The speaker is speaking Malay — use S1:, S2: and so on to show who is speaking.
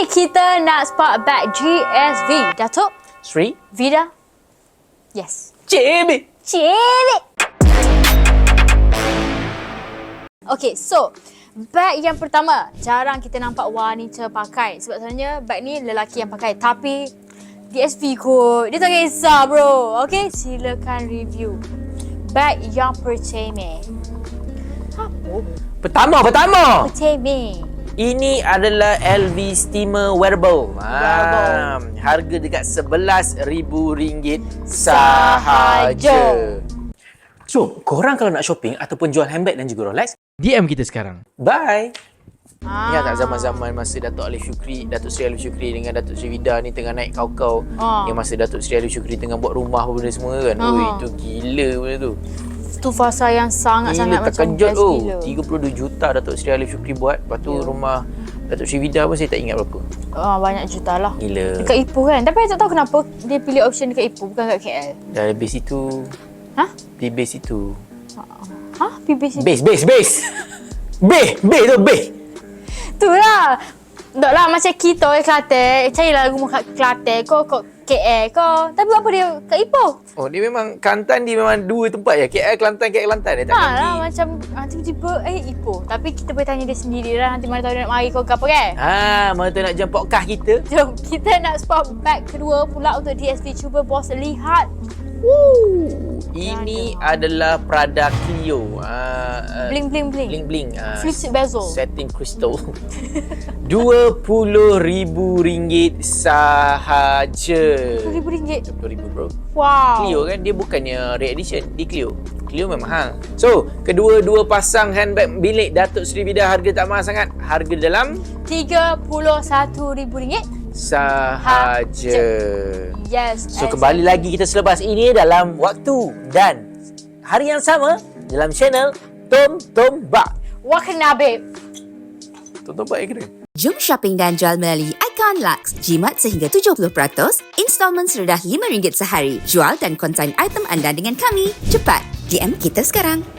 S1: kita nak spot back GSV. Datuk?
S2: Sri?
S1: Vida? Yes.
S2: Cik
S1: Okay, so bag yang pertama jarang kita nampak wanita pakai. Sebab sebenarnya bag ni lelaki yang pakai. Tapi DSV kot. Dia tak kisah bro. Okay, silakan review. Bag yang pertama. Apa?
S2: Pertama.
S1: Pertama.
S2: Ini adalah LV Steamer Wearable. Harga dekat RM11,000 sahaja. So, korang kalau nak shopping ataupun jual handbag dan juga Rolex, DM kita sekarang. Bye. Ingat tak zaman-zaman masa Datuk Sri Alif Syukri dengan Datuk Sri Vida ni tengah naik kau-kau. Yang masa Datuk Sri Alif Syukri tengah buat rumah apa benda semua kan. Ui, itu gila benda tu.
S1: Itu fasa yang sangat-sangat macam
S2: terkejut
S1: best gila.
S2: 32 juta Datuk Sri Alif Syukri buat. Lepas tu rumah Datuk Sri Vida pun saya tak ingat berapa.
S1: Banyak juta lah.
S2: Gila.
S1: Dekat Ipoh kan. Tapi saya tak tahu kenapa dia pilih option dekat Ipoh bukan kat KL.
S2: Dah habis itu. Di base itu.
S1: PBC.
S2: Base. Base.
S1: Tu lah. Tak lah macam kita orang Kelantan. Carilah rumah kat Kelantan. Kau KL kau. Tapi apa dia kat Ipoh?
S2: Oh, dia memang Kelantan, dia memang dua tempat ya. KL Kelantan. Dia takkan
S1: lah macam tiba-tiba Ipoh. Tapi kita boleh tanya dia sendiri lah. Nanti mana tahu dia nak mari kau ke apa kan?
S2: Mana tahu nak jumpa podcast kita.
S1: Jom kita nak spot bag kedua pula untuk DSV. Cuba bos lihat.
S2: Ini adalah Prada Clio.
S1: Bling.
S2: Bling.
S1: Fluted bezel.
S2: Setting crystal. RM20,000 sahaja.
S1: RM20,000.
S2: RM20,000 bro.
S1: Wow.
S2: Clio kan, dia bukannya Red Edition. Dia Clio memang mahal. So, kedua-dua pasang handbag milik Datuk Sri Vida harga tak mahal sangat. Harga dalam
S1: RM31,000
S2: sahaja.
S1: Yes.
S2: So kembali lagi kita selepas ini dalam waktu dan hari yang sama dalam channel Tom Bak.
S1: Wakna babe.
S2: Tom Bak yang kena.
S3: Jom shopping dan jual melalui Icon Lux. Jimat sehingga 70%, installmen serendah RM5 sehari. Jual dan konsign item anda dengan kami. Cepat, DM kita sekarang.